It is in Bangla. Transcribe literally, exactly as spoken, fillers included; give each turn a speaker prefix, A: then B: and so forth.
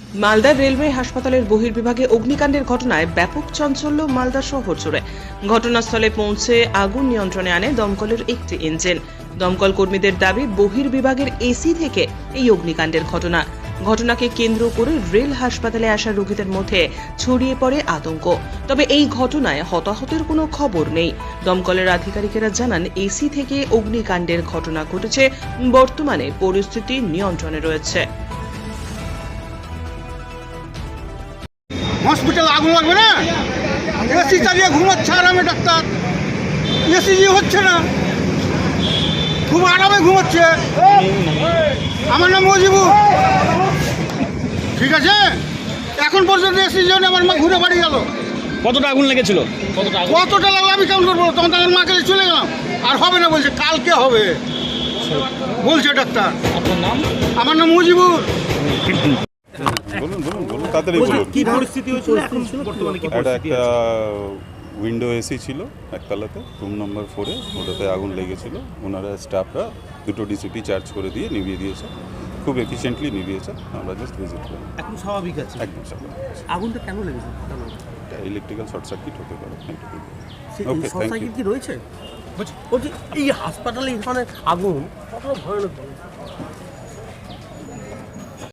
A: মালদার রেলওয়ে হাসপাতালের বহির্বিভাগে অগ্নিকাণ্ডের ঘটনায় ব্যাপক চাঞ্চল্য মালদা শহর জুড়ে। ঘটনাস্থলে পৌঁছে আগুন নিয়ন্ত্রণে আনে দমকলের একটি ইঞ্জিন। দমকল কর্মীদের দাবি, বহির্বিভাগের এসি থেকে এই অগ্নিকাণ্ডের ঘটনা। ঘটনাকে কেন্দ্র করে রেল হাসপাতালে আসা রোগীদের মধ্যে ছড়িয়ে পড়ে আতঙ্ক। তবে এই ঘটনায় হতাহতের কোনো খবর নেই। দমকলের আধিকারিকেরা জানান, এসি থেকে অগ্নিকাণ্ডের ঘটনা ঘটেছে। বর্তমানে পরিস্থিতি নিয়ন্ত্রণে রয়েছে।
B: হসপিটালে আগুন লাগবে না, এসি চালিয়ে ঘুমাচ্ছে আরামে ডাক্তার, এসি যে হচ্ছে না, খুব আরামে ঘুমাচ্ছে। আমার নাম মজিবুর। ঠিক আছে, এখন পর্যন্ত এসির জন্য আমার মা ঘুরে বাড়ি গেল।
C: কতটা আগুন লেগেছিল?
B: কতটা লাগলো আমি কেমন করবো? তখন তো আমার মাকে চলে গেলাম। আর হবে না বলছে, কালকে হবে বলছে ডাক্তার।
C: আপনার নাম?
B: আমার নাম মজিবুর।
D: বলুন বলুন বলুন তাড়াতাড়ি বলুন।
C: কি পরিস্থিতি হয়েছিল এখন বর্তমানে? কি
D: এটা
C: পরিস্থিতি
D: একটা
C: আছে?
D: উইন্ডো এসি ছিল একতলাতে, রুম নম্বর ফোরে, ওটাতে আগুন লেগেছিল। ওনারা স্টাফরা দুটো ডিসিপি চার্জ করে দিয়ে নিভিয়ে দিয়েছে, খুব এফিশিয়েন্টলি নিভিয়েছে। আমরা জাস্ট ভিজিট করি।
C: এখন স্বাভাবিক আছে?
D: একদম স্বাভাবিক।
C: আগুনটা কেন লেগেছে?
D: এটা ইলেকট্রিক্যাল শর্ট সার্কিট হতে পারে।
C: Okay,
D: thank you.
C: কি রয়েছে? বলছি এই হাসপাতালে এখানে আগুন কত ভয়ানক।